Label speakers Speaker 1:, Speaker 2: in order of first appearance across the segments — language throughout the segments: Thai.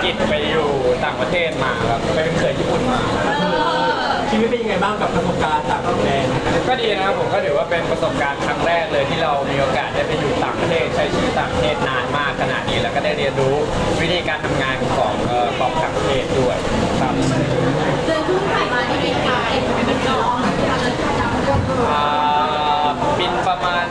Speaker 1: กิจไปอยู่ต่างประเทศมาครับไปเป็นเขยญี่ปุ่นมา
Speaker 2: ชีวิตเป็นยังไงบ้างกับประสบการณ์จากต่างแดน
Speaker 1: ก็ดีนะครับผมก็ถือว่าเป็นประสบการณ์ครั้งแรกเลยที่เรามีโอกาสได้ไปอยู่ต่างประเทศใช้ชีวิตต่างประเทศนานมากขนาดนี้แล้วก็ได้เรียนรู้วิธีการทำงานของต่างประเทศด้วยครับ
Speaker 3: เดือนครึ่งผ่านมาที่เป็นการเป็นน้องจำก็คือ
Speaker 1: บินประมาณ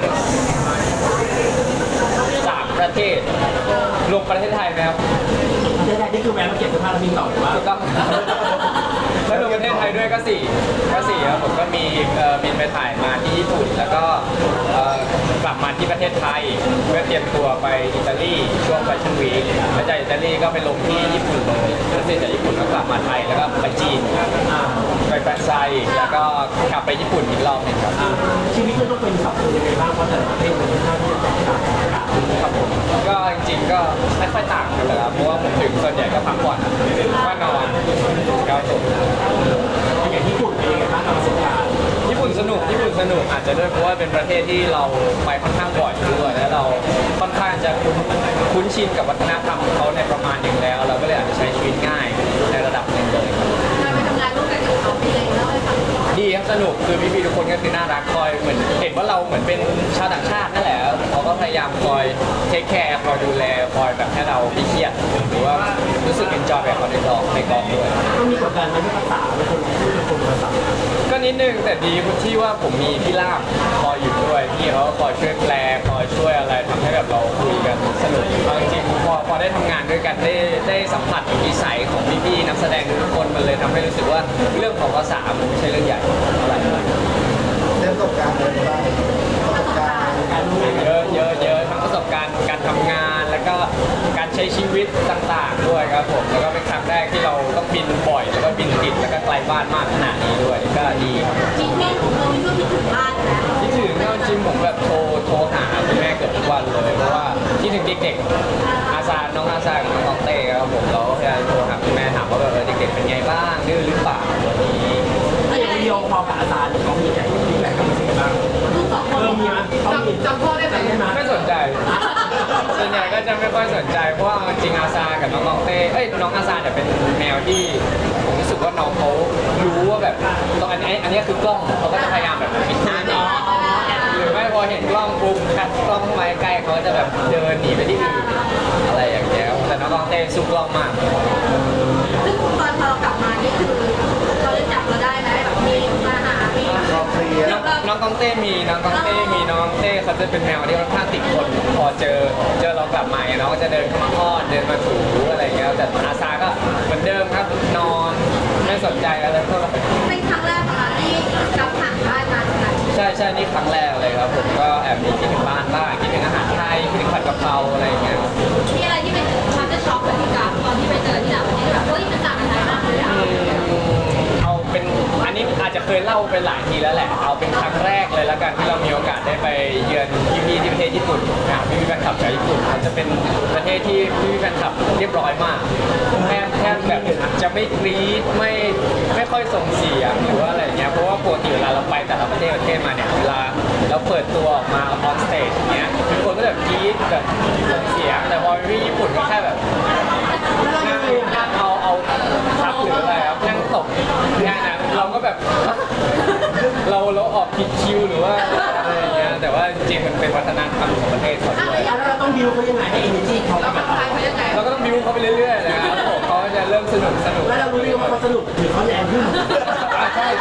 Speaker 1: 3ประเทศรวมประเทศไทยไหมครับ
Speaker 2: ประเทศไทยนี่คือแวะมาเก็บเสื้อผ้าแล้วบินต่อหรือว่า
Speaker 1: ถูกต้องแล้วรวมประเทศไทยด้วยก็สี่ครับผมก็มีบินไปถ่ายมาที่ญี่ปุ่นแล้วก็กลับมาที่ประเทศไทยเพื่อเตรียมตัวไปอิตาลีช่วงแฟชั่นวีคแล้วจากอิตาลีก็ไปลงที่ญี่ปุ่นเลยแล้วเสร็จจากญี่ปุ่นก็กลับมาไทยแล้วก็ไปจีนไปแฟรนไชส์แล้วก็กลับไปญี่ปุ่นอีกรอบหนึงครับ
Speaker 2: ชีวิตมันต้องเป็นสับสนยังไงบ้างเพราะแต่ละประเทศมันค่อนข้างที่จะแตกต่างกัน
Speaker 1: ครับผมก็จริงๆก็ไม่ค่อยต่างกันเลยครับเพราะว่าผมถึงส่วนใหญ่ก็พักผ่อนก็นอนครับผม
Speaker 2: อย่างญี่ปุ่นเป็นยังไงบ้างกับประสบการณ์
Speaker 1: ญี่ปุ่นสนุกอาจจะด้วยเพราะว่าเป็นประเทศที่เราไปค่อนข้างบ่อยด้วยและเราค่อนข้างจะคุ้นชินกับวัฒนธรรมของเขาในประมาณหนึ่งแล้ว เราก็เลยอาจจะใช้ชีวิตง่ายในระดับหนึ่งเลยครับ
Speaker 3: การไปทำงานร่วมกันกับเขาเป็นยังไงเล่าให้ฟัง
Speaker 1: ดีครับสนุกคือพี่ๆทุกคนก็คือน่ารักคอยเหมือนเห็นว่าเราเหมือนเป็นชาวต่างชาตินั่นแหละเขาก็พยายามคอยเทคแคร์คอยดูแลคอยแบบให้เราไม่เครียดหรือว่ารู้สึกเอนจอยแบบเขาในกองด้วย
Speaker 2: ต้องมีกดดันไหมที่ภาษาเป็นคนพูดเป็นคนภาษา
Speaker 1: ก็นิดนึงแต่ดีที่ว่าผมมีพี่ล่ามคอยอยู่ด้วยพี่เขาก็คอยช่วยแปลคอยช่วยอะไรทำให้แบบเราคุยกันสนุกเอาจริงๆพอได้ทำงานด้วยกันได้สัมผัสนิสัยของพี่ๆนักแสดงทุกคนมันเลยทำให้รู้สึกว่าเรื่องของภาษามันไม่ใช่เรื่องใหญ่อะไร
Speaker 4: เรื่องประสบการณ์อะไรบ้างประสบการณ์
Speaker 2: การรู้งานกัน
Speaker 1: เยอะทั้งประสบการณ์การทำงานแล้วก็การใช้ชีวิตต่างๆด้วยครับผมแล้วก็เป็นครั้งแรกที่เราต้องบินบ่อยแล้วก็บินติดแล้วก็ไกลบ้านมากขนาดนี้ด้วยก็ดีครับ
Speaker 3: จริงๆของเรานี่ก็คิดถึงบ้านนะ
Speaker 1: คิดถึงเอาจริงผมแบบโทรหาคุณแม่เกือบทุกวันเลยเพราะว่าคิดถึงเด็กๆน้องอาซากับน้องตองเต้ครับผมเราก็พยายามโทรหาคุณแม่ถามว่าแบบเด็กๆเป็นไงบ้างดื้อหรือเปล่าวันนี้
Speaker 2: ถ้าอย่างวิดีโอคอลกับอาจารย์เขามีแต่ฟีดแบ็กกันมาสิบ้าง
Speaker 3: ลูกสองคน
Speaker 2: มีไหมเขามี
Speaker 3: จำพ่อได้ไหม
Speaker 2: ไหม
Speaker 1: ไม่สนใจส่วนใหญ่ก็จะไม่ค่อยสนใจเพราะว่าจริงอาซากับน้องตองเต้น้องอาซาเนี่ยเป็นแมวที่ผมรู้สึกว่าน้องเขารู้ว่าแบบตรงอันนี้คือกล้องเขาก็จะพยายามแบบปิดหน้าหนีหรือไม่พอเห็นกล้องปุ๊บคัดกล้องเข้ามาใกล้เขาจะแบบเดินหนีไปที่อื่นอะไรอย่างเงี้ยแต่น้องตองเต้สู้กล้องมาก
Speaker 3: ซึ่งตอนพอเรากลับมานี่คือเขาจะจับเราได้ไหมแบบมีมาหามี
Speaker 4: รอบเคลียร์
Speaker 1: น้องตองเต้มีน้องตองเต้เขาจะเป็นแมวที่ค่อนข้างติดคนพอเจอเรากลับมาเนี่ยน้องก็จะเดินเข้ามาอ้อนเดินมาถูอะไรอย่างเงี้ยแต่อาซาก็เหมือนเดิมครับนอนไม่สนใจอะไรเท่าไหร่
Speaker 3: เป็นครั้งแรกของเราที่กลับผ่านบ้านมาค่ะ
Speaker 1: ใช่นี่ครั้งแรกเลยครับผมก็แอบมีคิดถึงบ้านบ้างคิดถึงอาหารไทยคิดถึงผัดกะเพราอะไรอย่างเงี้ย
Speaker 3: มีอะไรที่เป็นความจะช็อกกับพี่กราฟตอนที่ไปเจอที่ต่างประเทศแบบเฮ้ยมันต่างกันไหนมากเลยอะ
Speaker 1: เอาเป็นอันนี้อาจจะเคยเล่าไปหลายทีแล้วแหละเอาเป็นครั้งแรกเลยแล้วกันที่เรามีโอกาสได้ไปเยือนพี่ๆที่ประเทศญี่ปุ่นพี่ๆแฟนคลับจากญี่ปุ่นเขาจะเป็นประเทศที่พี่ๆแฟนคลับเรียบร้อยมากแทบแบบจะไม่กรี๊ดไม่ค่อยส่งเสียงหรือว่าอะไรอย่างเงี้ยเพราะว่าปกติเวลาเราไปแต่ละประเทศมาเนี่ยเวลาเราเปิดตัวออกมาออนสเตจอย่างเงี้ยทุกคนก็แบบกรี๊ดแบบส่งเสียงแต่พอพี่ญี่ปุ่นก็แค่แบบนั่งเอาครับหรืออะไรครับนั่งตบแค่นั้นเราก็แบบเราออกผิดคิวหรือว่าอะไรอย่างเงี้ยแต่ว่าจริงๆมันเป็นวัฒนธรรมของประเทศเขาด้วย
Speaker 2: แล้วเราต้องดิวเขายังไงให้ energy เขา
Speaker 3: เรา
Speaker 2: กับ
Speaker 3: ผ่าน
Speaker 2: เรา
Speaker 3: ไปยังไง
Speaker 1: เราก็ต้องบิ้วเขาไปเรื่อยๆนะครับผมเขาจะเริ่มสนุก
Speaker 2: แล้วเรารู้ไหมว่าเขาสนุกหรือเขาแรงขึ้น
Speaker 1: ใช่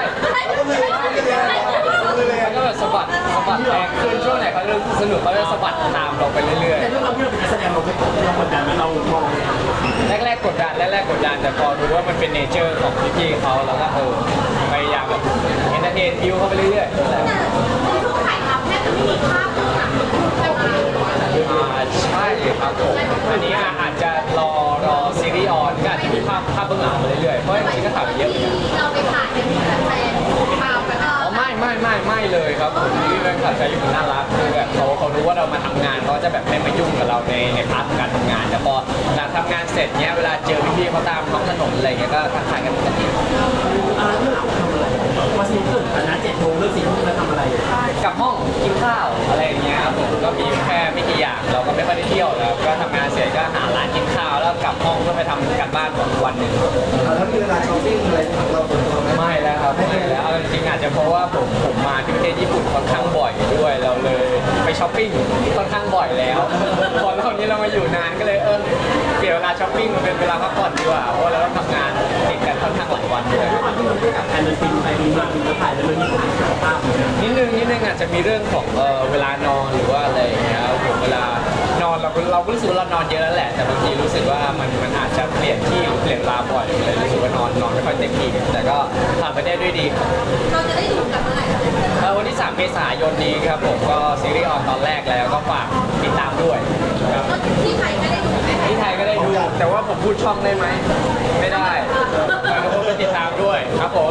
Speaker 1: แล้วก็แบบสะบัดแรงขึ้นช่วงไหนเขาเริ่มสนุกเขาจะสะบัดตามเราไปเรื่อย
Speaker 2: แต่ด้วยความที่เราเป็นนักแสดงเรากดดันไหมเรามอง
Speaker 1: ๆแรกๆกดดันแต่พอรู้ว่ามันเป็นเนเจอร์ของพี่ๆเขาแล้วก็พยายามแบบเอนเตอร์เทนบิ้วเขาไปเรื่อยๆ
Speaker 3: ในช่วงถ่ายทำแทบจะไม่มีภาพเบื้องหลังแต่ว่า
Speaker 1: ใช่ครับผมอันนี้อาจจะรอซีรีส์ออนก็อาจจะมีภาพเบื้องหลังมาเรื่อยๆเพราะจริงๆก็ถ่ายไปเยอะเหมือนกัน
Speaker 3: ที่เราไปถ่ายกันที่แฟนๆตามกัน
Speaker 1: อ๋อไม่เลยครับผมที่แฟนคลับชาวญี่ปุ่นน่ารักคือแบบเขารู้ว่าเรามาทำงานเขาจะแบบไม่มายุ่งกับเราในพาร์ทของการทำงานแต่พอหลังทำงานเสร็จเนี้ยเวลาเจอพี่ๆเขาตามท้องถนนอะไรเงี้ยก็ทักทายกันปกติ
Speaker 2: เรื่องหลังทำอะไรมาสนุกเกินแต่นะ7 โมงเลิก4 ทุ่มแล้วทำอะไร
Speaker 1: กลับห้องกินข้าวอะไรอย่างเงี้ยครับผมก็มีแค่ไม่กี่อย่างเราก็ไม่ค่อยได้เที่ยวแล้วก็ทำงานเสร็จก็หาร้านกินข้าวแล้วกลับห้องก็พไปทำการบ้านของวันหนึ่ง
Speaker 4: แล้วมีเวลาช้อปปิ้งอะไรของเราส่วนตัวไหม
Speaker 1: ไม่แล้วครับไม่แล้วเอาจริงๆอาจจะเพราะว่าผมมาที่ประเทศญี่ปุ่นค่อนข้างบ่อยด้วยเราเลยไปช้อปปิ้งค่อนข้างบ่อยแล้วพอรอบนี้เรามาอยู่นานก็เลยเปลี่ยนเวลาช้อปปิ้งมาเป็นเวลาพักผ่อนดีกว่าเพราะว่าเราต้องทำงานติดกันค่อนข้างหลายวันด้วย
Speaker 2: ตอนที่มันได้กับแอนด์ฟินไปบินมาบินมาถ่ายแล้วมันมีผลกับสุขภาพเหมือนกัน
Speaker 1: นิดนึงอาจจะมีเรื่องของเวลานอนหรือว่าอะไรอย่างเงี้ยครับผมเวลานอนเราก็รู้สึกว่าเรานอนเยอะแล้วแหละแต่บางทีรู้สึกว่ามันอาจจะเปลี่ยนที่เปลี่ยนเวลาบ่อยเลยรู้สึกว่านอนไม่ค่อยเต็มที่แต่ก็ผ่านไปได้ด้วยดี
Speaker 3: เราจะได้ดูกันเมื่อไหร่คะ
Speaker 1: วันที่ 3 เมษายนนี้ครับผมก็ซีรีส์ออนตอนแรกแล้วก็ฝากติดตามด้วยครับ
Speaker 3: ที่ไทยไม่ได้ดูไหม
Speaker 1: ที่ไทยก็ได้ดูแต่ว่าผมพูดช่องได้ไหมไม่ได้แต่ทุกคนไปติดตามด้วยครับผม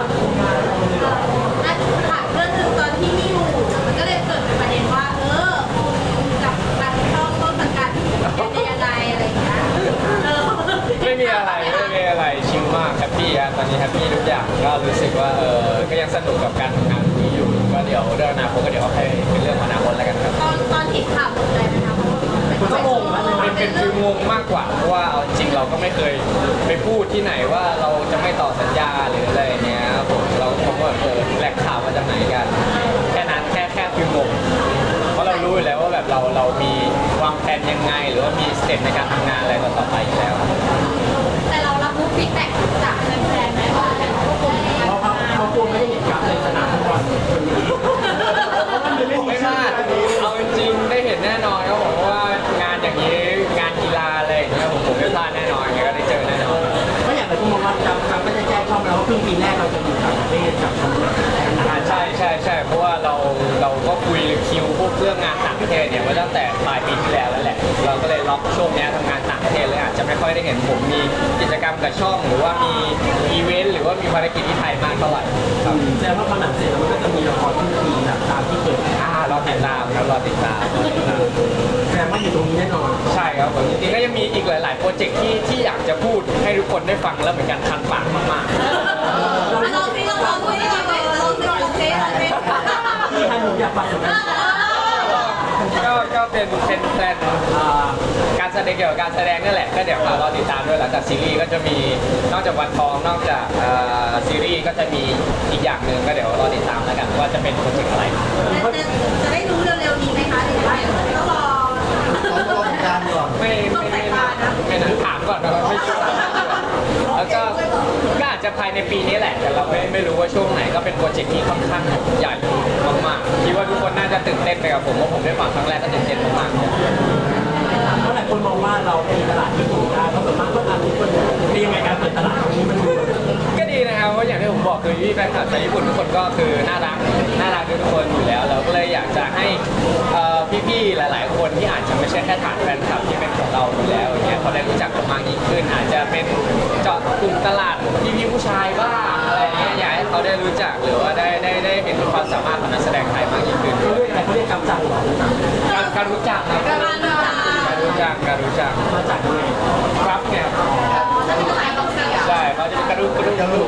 Speaker 3: ถามเรื่องหนึ่งตอนที่มีอยู่มันก็เลยเกิดเป็นประเด็นว่ากับการช่องต้นสังกัดเป็นยังไงอะไรอย่างเงี้ย
Speaker 1: ไม่มีอะไรชิลมากแฮปปี้ตอนนี้แฮปปี้ทุกอย่างก็รู้สึกว่าก็ยังสนุกกับการทำงานนี้อยู่ก็เดี๋ยวเรื่องอนาคตก็เดี๋ยวให้เป็นเรื่องของอนาคตแล้วกันครับ
Speaker 3: ตอนเห็นข่าวตกใจไหมคะ
Speaker 2: คุณก็งงนะ
Speaker 1: เป็นฟิลงงมากกว่าเพราะว่าเอาจริงเราก็ไม่เคยไปพูดที่ไหนว่าเราจะไม่ต่อสัญญาหรืออะไรเนี้ยผมเราก็บอกว่าแหล่งข่าวมาจากไหนกันแค่นั้นแค่ฟิลงงเพราะเรารู้อยู่แล้วว่าแบบเรามีวางแผนยังไงหรือว่ามีสเต็ปในการทำงานอะไรต่อไปอยู่แล้ว
Speaker 3: แต่เรารับรู้ฟีดแบ็กจากแฟนๆไหมว่าทุกคน
Speaker 2: เขากลัวไม่ได้เห็นกราฟในสนามฟุตบอลวันนี้เพราะมันไม่มี
Speaker 1: ไม่พลาดเอาจริงๆได้เห็นแน่นอนครับผมว่างานอย่างนี้งานกีฬาอะไรอย่างเงี้ยผมไม่พลาดแน่นอนก็ได้เจอแน่นอน
Speaker 2: ก็อย่างไรก็มองว่าจำก็จะแจ้งช่องเราว่าครึ่งปีแรกเราจะอยู่ต่างประเทศกับทำ
Speaker 1: ใช่เพราะว่าเราก็คุยคิวพวกเรื่องงานต่างประเทศเนี่ยมาตั้งแต่ปลายปีที่แล้วแล้วแหละเราก็เลยล็อกช่วงนี้ทำงานต่างประเทศเลยอาจจะไม่ค่อยได้เห็นผมมีกิจกรรมกับช่อง หรือว่ามีอีเวนต์หรือว่ามีภารกิจที่ไทยมากเท่าไหร่ครับ
Speaker 2: แสดงว่าพอหนังเสร็จแล้วมันก็จะมีละครทุกปีแบบตามที่เคย
Speaker 1: รอติดตามครับรอติดตาม
Speaker 2: แสดงว่าอยู่ตรงนี้แน่นอน
Speaker 1: ใช่ครับผมจริงๆก็ยังมีอีกหลายๆโปรเจกต์ที่อยากจะพูดให้ทุกคนได้ฟังแล้วเหมือนกันคันปากมากๆ
Speaker 3: เราที่เราคุยกันเราที่เราเทส
Speaker 2: ที่ท่านผมอยากฟังเหมือนกัน
Speaker 1: ก็เป็นแพลนการแสดงเกี่ยวกับการแสดงนั่นแหละก็เดี๋ยวเราติดตามด้วยหลังจากซีรีส์ก็จะมีนอกจากวันทองนอกจากซีรีส์ก็จะมีอีกอย่างหนึ่งก็เดี๋ยวรอติดตามแล้วกันว่าจะเป็นโปรเจกต์อะไร
Speaker 3: จะได้รู้เร็วๆนี้ไหมคะหรือว่าต้องรอ
Speaker 4: ต้องรอติดตามก่อน
Speaker 1: ไม่นะถามก่อนนะครับไม่ชัวร์แล้วก็อาจจะภายในปีนี้แหละแต่เราไม่รู้ว่าช่วงไหนก็เป็นโปรเจกต์ที่ค่อนข้างใหญ่มากๆคิดว่าทุกคนน่าจะตื่นเต้นไปกับผมเพราะผมได้ฟังครั้งแรกก็ตื่นเต้นมากๆ
Speaker 2: เพราะหลายคนมองว่าเราเป็นตลาดที่ถูกได้เพราะส่วนมากก็อ่านทุกคนเป็นยังไงการเปิดตลาดครั้งนี้มันดู
Speaker 1: ก็ดีนะครับเพราะอย่างที่ผมบอกคือพี่แฟนคลับชาวญี่ปุ่นทุกคนก็คือน่ารักทุกคนอยู่แล้วเราก็เลยอยากจะให้พี่ๆหลายๆคนที่อาจจะไม่ใช่แค่ฐานแฟนคลับที่เป็นของเราอยู่แล้วอย่างเงี้ยเขาได้รู้จักเรามากยิ่งขึ้น อาจจะเป็นเจาะกลุ่มตลาดพี่ๆผู้ชายบ้างอะไรเงี้ยอยากให้เขาได้รู้จักหรือว่าได้เห็นความสามารถของนักแสดงไทยมากยิ่งขึ้น
Speaker 2: เขาเรียกอะไรเขาเรียกกำจัดหรอ
Speaker 1: การรู้จักครับการรู้จัก
Speaker 2: มาจากยังไง
Speaker 1: ครับเนี่ยใช่เขาจะกระดุก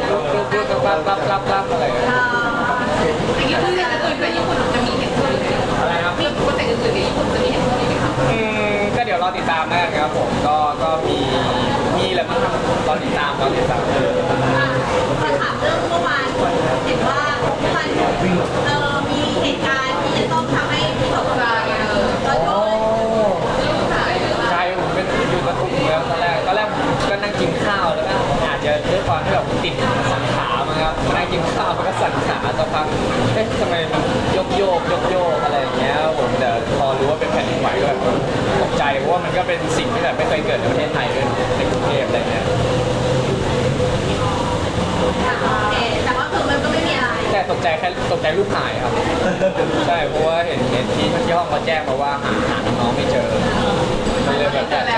Speaker 1: รับอะไรอย่างเงี้ย
Speaker 3: อย่างนี้คืออย่างอื่นไปญี่ปุ่นจะมีเห็นด้วยไหม
Speaker 1: อะไรครับ
Speaker 3: มีโปรเจกต์อื่นๆในญี่ปุ่นจะมีเห็นด้วยไหมคะ
Speaker 1: ก็เดี๋ยวรอติดตามแล้วกันครับผมก็มีแหละมั้งครับรอติดตาม
Speaker 3: ขอถามเรื่องเมื่อวานเห็นว่าเมื่อวานมีเหตุการณ์ที่จะต้องทำให้ตกใจแล้วก็ลูกหาย
Speaker 1: ใช่ผมเป็นอยู่กระทุ่มแล้วตอนแรกผมก็นั่งกินข้าวแล้วก็อาจจะด้วยความที่แบบติดสันขามั้งครับมานั่งกินข้าวแล้วก็สั่นขาสักพักเอ๊ะทำไมมันโยกอะไรอย่างเงี้ยผมแต่พอรู้ว่าเป็นแผ่นดินไหวก็แบบตกใจเพราะว่ามันก็เป็นสิ่งที่แบบไม่เคยเกิดในประเทศไทยด้วยในกรุงเทพอะไรเงี้ย
Speaker 3: แต่ว่าคือมันก็ไม่มีอะไร
Speaker 1: แต่ตกใจลูกหายครับ ใช่เพราะว่าเห็นที่ห้องเขาแจ้งมาว่าหาน้องไม่เจอมันเลยแบบ